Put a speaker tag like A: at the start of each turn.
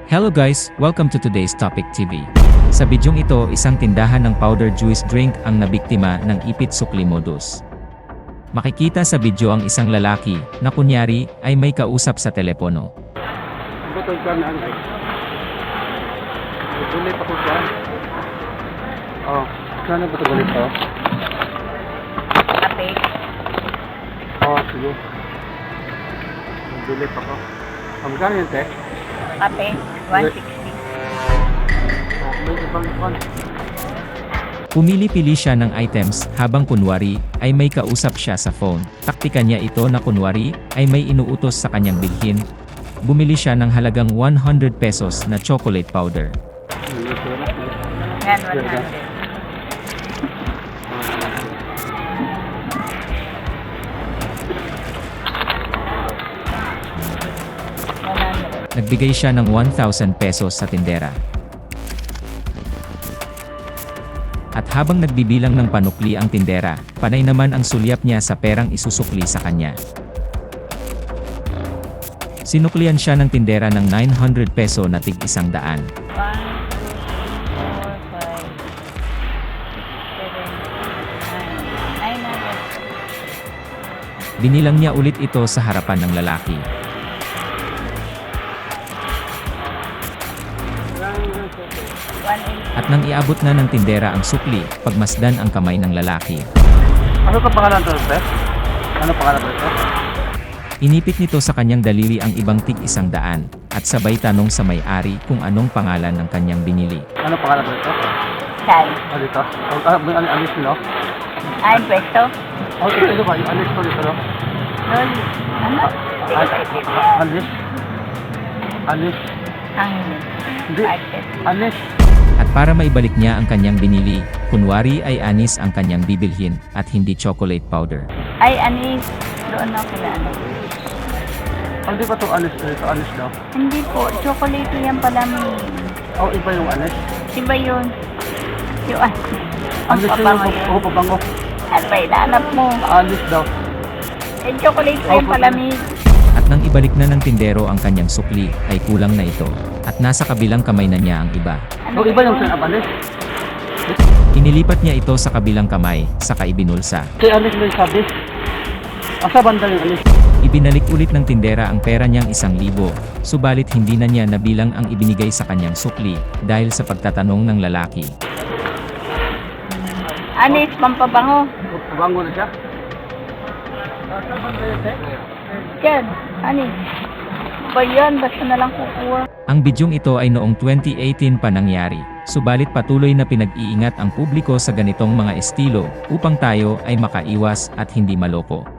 A: Hello guys, welcome to today's Topic TV. Sa bidyong ito, isang tindahan ng powder juice drink ang nabiktima ng ipit sukli modus. Makikita sa video ang isang lalaki na kunyari ay may kausap sa telepono.
B: Butol ka na ay. Bulit ako dyan. Oh, sana ba ito bulit to?
C: Kape.
B: Oh, sige. Bulit ako. Magkano yun, te?
C: Kape. 160.
B: Oh, may ibang ikon.
A: Pumili-pili siya ng items habang kunwari ay may kausap siya sa phone. Taktika niya ito na kunwari ay may inuutos sa kanyang bilhin. Bumili siya ng halagang 100 pesos na chocolate powder.
C: Yan, 100.
A: Nagbigay siya ng 1,000 pesos sa tindera. At habang nagbibilang ng panukli ang tindera, panay naman ang sulyap niya sa perang isusukli sa kanya. Sinuklian siya ng tindera ng 900 peso na tig 100.
C: 1, 2, 3, 4, 5, 6, 7, 8, 900.
A: Binilang niya ulit ito sa harapan ng lalaki. At nang iabot na ng tindera ang sukli, pagmasdan ang kamay ng lalaki.
B: Ano ka pangalan to, te? Ano pangalan to, te?
A: Inipit nito sa kanyang daliri ang ibang tig 100 at sabay tanong sa may-ari kung anong pangalan ng kanyang binili.
B: Ano pangalan to, te?
C: Sal.
B: Ah, dito? May alis nyo?
C: Ay, pwesto.
B: Oh, ito ba? Yung alis ko dito, no?
C: Lol. Ano?
B: Alis? Alis?
C: Hangin.
B: Hindi.
C: Market.
B: Alis?
A: At para maibalik niya ang kanyang binili, kunwari ay anis ang kanyang bibilhin at hindi chocolate powder.
C: Ay, anis. Doon ako kila ano.
B: Hindi ba ito alis? Ito alis daw?
C: Hindi po. Chocolate yan pala may.
B: Oh, iba yung alis?
C: Diba yun? Yung ano? Ang
B: Alis
C: pabango
B: yung
C: yun.
B: pabango.
C: Ano ba inaanap mo?
B: Alis daw.
C: Eh, chocolate yan pala may.
A: At nang ibalik na ng tindero ang kanyang sukli, ay kulang na ito. At nasa kabilang kamay na niya ang iba.
B: Oh, iba yung alis?
A: Inilipat niya ito sa kabilang kamay, saka ibinulsa.
B: Kay alis na yung sabi. Asa banda yung alis?
A: Ibinalik ulit ng tindera ang pera niyang 1,000, subalit hindi na niya nabilang ang ibinigay sa kanyang sukli dahil sa pagtatanong ng lalaki.
C: Anis, pampabango.
B: Pabango na siya?
C: Yan, anis. Ba yan? Basta na lang kukuha.
A: Ang bidyong ito ay noong 2018 pa nangyari, subalit patuloy na pinag-iingat ang publiko sa ganitong mga estilo upang tayo ay makaiwas at hindi maloko.